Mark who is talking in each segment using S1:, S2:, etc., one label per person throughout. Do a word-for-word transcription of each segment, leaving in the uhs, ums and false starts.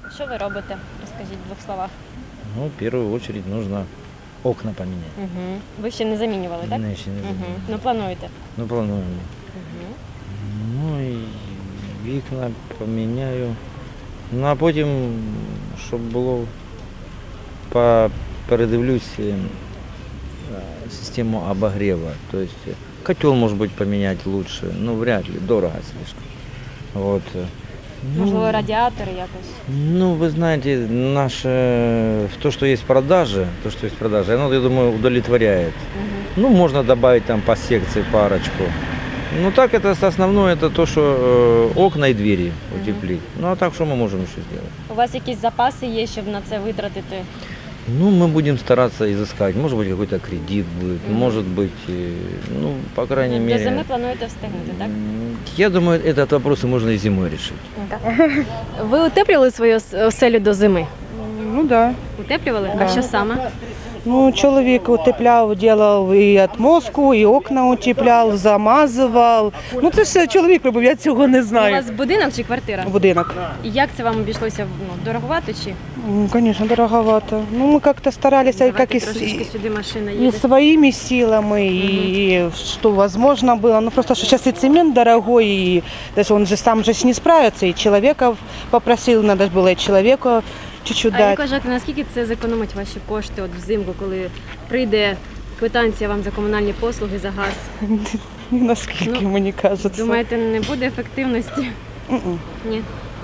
S1: Що ви робите? Розкажіть в двох словах.
S2: Ну, в первую очередь нужно окна поменять.
S1: Угу. Ви ще не замінювали, так?
S2: Не, ще не
S1: Угу.
S2: замінювали.
S1: Ну плануєте.
S2: Ну, плануємо.
S1: Угу.
S2: Ну і вікна поміняю. Ну а потім, щоб було, по- передивлюсь е, систему обогрева. То есть э, котел, может быть, поменять лучше. Ну, вряд ли, дорого слишком. Вот. Ну,
S1: Можливо, радіатори якось.
S2: Ну, вы знаете, наше, то, что есть в продаже, то, что есть в продаже, оно, я думаю, удовлетворяет.
S1: Угу.
S2: Ну, можно добавить там по секции парочку. Ну, так это основное, это то, что э, окна и двери утеплить. Ну, а так, что мы можем еще сделать?
S1: У вас якісь запаси є, щоб на це витратити?
S2: Ну, мы будем стараться изыскать. Может быть, какой-то кредит будет,
S1: Мгм.
S2: может быть, э, ну, по крайней
S1: До
S2: мере...
S1: зими плануєте встигнути, так?
S2: м, Я думаю, этот вопрос можно и зимой решить.
S1: Ви утеплювали свою ос- оселю до зими?
S3: Ну да.
S1: Утеплювали?
S3: Да.
S1: А що саме?
S3: Ну, чоловік утепляв, делав і отмостку, і окна утепляв, замазував. Ну, це все чоловік робив, я цього не
S1: У
S3: знаю.
S1: вас будинок чи квартира?
S3: Будинок.
S1: І як це вам обійшлося? Ну, дороговато чи?
S3: Ну, конечно, дороговато. Ну, мы как-то старались,
S1: Давайте
S3: как и, с-
S1: трошечки сюди машина
S3: и
S1: їде.
S3: своими силами, и что возможно было. Ну, просто что сейчас и цемент дорогой, и даже он же сам же ж не справится, и человека попросил, надо же было и человека чуть-чуть
S1: А як
S3: дать.
S1: вважаєте, наскільки це зекономить ваші кошти от взимку, коли прийде квитанція вам за комунальні послуги, за газ?
S3: Насколько,
S1: Ну,
S3: мне кажется.
S1: Думаєте, не буде ефективності?
S3: М-м.
S1: Ні.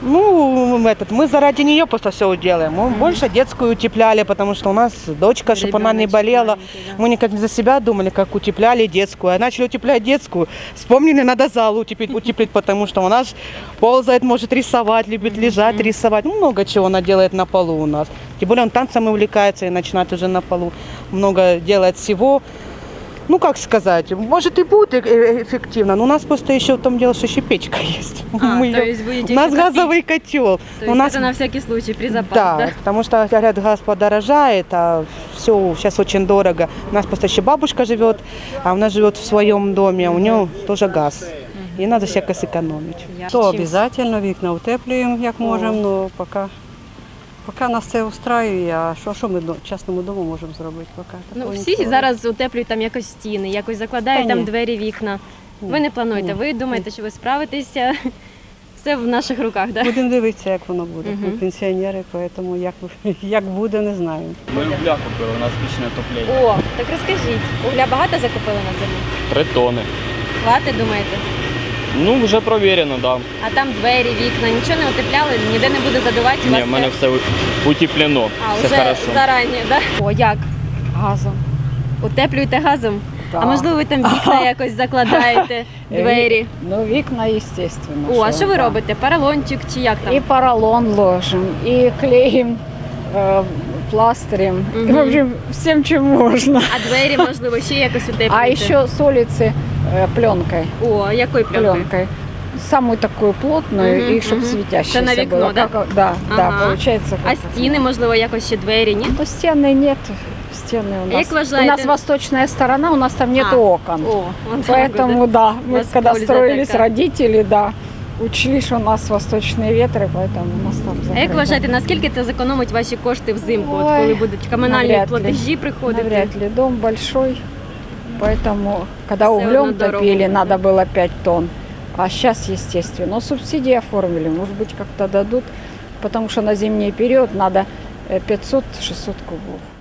S3: Ну, этот, мы заради нее просто все делаем. Мы
S1: Мгм.
S3: больше детскую утепляли, потому что у нас дочка, чтобы она не
S1: Ребеночек
S3: болела.
S1: маленький, да.
S3: Мы никак не за себя думали, как утепляли детскую. А начали утеплять детскую. Вспомнили, надо зал утеплить, утеплить, потому что у нас ползает, может рисовать, любит лежать, рисовать. Ну, много чего она делает на полу у нас. Тем более он танцами увлекается и начинает уже на полу. Много делает всего. Ну, как сказать, может и будет э- эффективно, но у нас просто еще в том дело, что еще печка есть.
S1: А,
S3: Мы
S1: то
S3: её-
S1: есть будете
S3: У нас
S1: еще топить.
S3: газовый котел.
S1: То
S3: У
S1: есть
S3: нас
S1: это на всякий случай, при запас,
S3: да,
S1: да?
S3: потому что, говорят, газ подорожает, а все сейчас очень дорого. У нас просто еще бабушка живет, а у нас живет в своем доме, а у нее тоже газ. И надо всяко сэкономить.
S1: Я
S4: То
S1: чим-
S4: обов'язково вікна утеплюємо, як можемо, але поки, поки нас це устраює, а що, що ми до- частному дому можемо зробити? Поки
S1: Ну,
S4: такого
S1: всі
S4: нічого.
S1: зараз утеплюють там якось стіни, якось закладають
S4: Та
S1: там
S4: ні.
S1: двері, вікна.
S4: Ні.
S1: Ви не плануєте,
S4: Ні.
S1: ви думаєте, що ви справитеся? Все в наших руках, так?
S4: Будемо дивитися, як воно буде.
S1: Мгм.
S4: Ми пенсіонери, тому як, як буде, не знаю.
S5: Ми угля купили, у нас пічне отоплення.
S1: О, так розкажіть, угля багато закупили на зиму?
S5: Три тони.
S1: Хватить, думаєте?
S5: Ну, вже провірено, так.
S1: А там двері, вікна, нічого не утепляли, ніде не буде задувати
S5: Да.
S1: вас?
S5: Ні, в мене
S1: це-
S5: все утеплено,
S1: А,
S5: все
S1: вже
S5: хорошо.
S1: зарані, так? О, як?
S6: Газом.
S1: Утеплюєте газом?
S6: Да.
S1: А можливо, ви там вікна якось закладаєте, двері?
S6: Ну, вікна, естественно.
S1: О, а що ви
S6: да.
S1: робите? Поролончик чи як там?
S6: І поролон ложим, і клеїм, е, пластырем.
S1: Мгм.
S6: И, в общем, всем, чем можно.
S1: А двері, можливо, ще якось утеплюєте?
S6: А еще с улицы э, пленкой.
S1: О, якою пленкою?
S6: Пленкой. Самую такую плотную,
S1: Мгм,
S6: и чтобы
S1: мгм.
S6: светящаяся
S1: Это на вікно,
S6: была.
S1: да?
S6: Как- да, да,
S1: Ага.
S6: получается.
S1: А
S6: как-
S1: стіни, можливо, якось ще двері, ні?
S6: Ну, стены нет. Стены у
S1: А
S6: нас.
S1: як вважаєте-
S6: У нас восточная сторона, у нас там нет
S1: А.
S6: окон.
S1: О, вон так
S6: Поэтому,
S1: буде.
S6: да,
S1: У
S6: мы
S1: вас
S6: когда
S1: польза
S6: строились,
S1: такая.
S6: родители, да, учли, что у нас восточные ветры, поэтому у нас там
S1: А як
S6: закрыто.
S1: вважаєте, наскільки це зекономить ваші кошти взимку, от
S6: Ой,
S1: коли будуть комунальні
S6: навряд ли.
S1: платежі приходити?
S6: Навряд ли. Дом большой, поэтому, когда
S1: Всё
S6: углем
S1: равно дорого
S6: топили,
S1: будет.
S6: надо было пять тонн. А сейчас, естественно, но субсидии оформили, может быть, как-то дадут, потому что на зимний период надо э, пятьсот-шестьсот кубов.